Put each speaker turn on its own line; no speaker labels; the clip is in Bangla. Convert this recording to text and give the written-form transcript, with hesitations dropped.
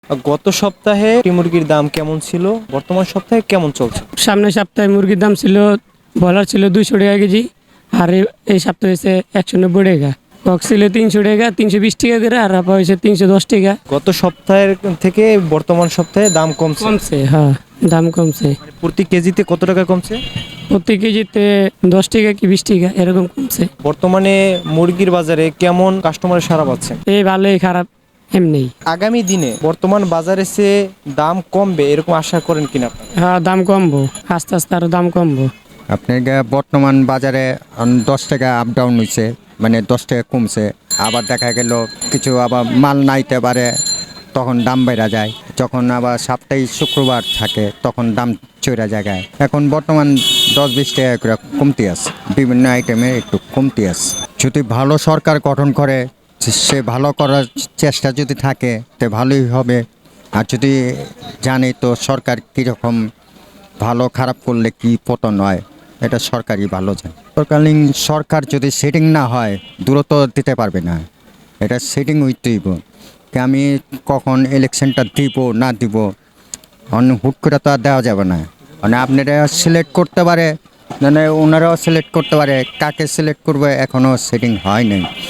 গত সপ্তাহে একটি মুরগির দাম কেমন ছিল, বর্তমান সপ্তাহে কেমন চলছে?
সামনের সপ্তাহে মুরগির দাম ছিল, ব্রয়লার ছিল 200 টাকা কেজি, আর এই সপ্তাহে হয়েছে 190 টাকা। কক ছিল 300 টাকা, 320 টাকা করে, আর আপা হয়েছে 310 টাকা।
গত সপ্তাহের থেকে বর্তমান সপ্তাহে দাম কমছে।
কমছে, হ্যাঁ, দাম কমছে।
প্রতি কেজিতে কত টাকা কমছে?
প্রতি কেজিতে 10 টাকা কি 20 টাকা এরকম কমছে।
বর্তমানে মুরগির বাজারে কেমন কাস্টমারের সাড়া পাচ্ছেন?
এই ভালোই খারাপ এমনি।
আগামী দিনে বর্তমান বাজারে সে দাম কমবে এরকম আশা করেন কিনা আপনারা?
হ্যাঁ, দাম কমবো, আস্তে আস্তে আরো দাম কমবো।
আপনার বর্তমান বাজারে 10 টাকা আপ ডাউন হয়েছে, মানে 10 টাকা কমছে। আবার দেখা গেল কিছু আবার মাল নাইতে পারে, তখন দাম বেড়ে যায়। যখন আবার সাপ্তাহিক শুক্রবার থাকে তখন দাম চড়া জায়গায়। এখন বর্তমান 10-20 টাকা করে কমতি আছে, বিভিন্ন আইটেমের একটু কমতি আছে। যদি ভালো সরকার গঠন করে, সে ভালো করার চেষ্টা যদি থাকে তে ভালোই হবে। আর যদি জানি তো সরকার কীরকম ভালো খারাপ করলে কি পতন হয়, এটা সরকারই ভালো জানে। তৎকালীন সরকার যদি সেটিং না হয় দূরত্ব দিতে পারবে না, এটা সেটিং হইতেইব। আমি কখন ইলেকশনটা দিব না দিব হুট করে তো আর দেওয়া যাবে না। মানে আপনারা সিলেক্ট করতে পারে, মানে ওনারাও সিলেক্ট করতে পারে, কাকে সিলেক্ট করবে এখনও সেটিং হয় নাই।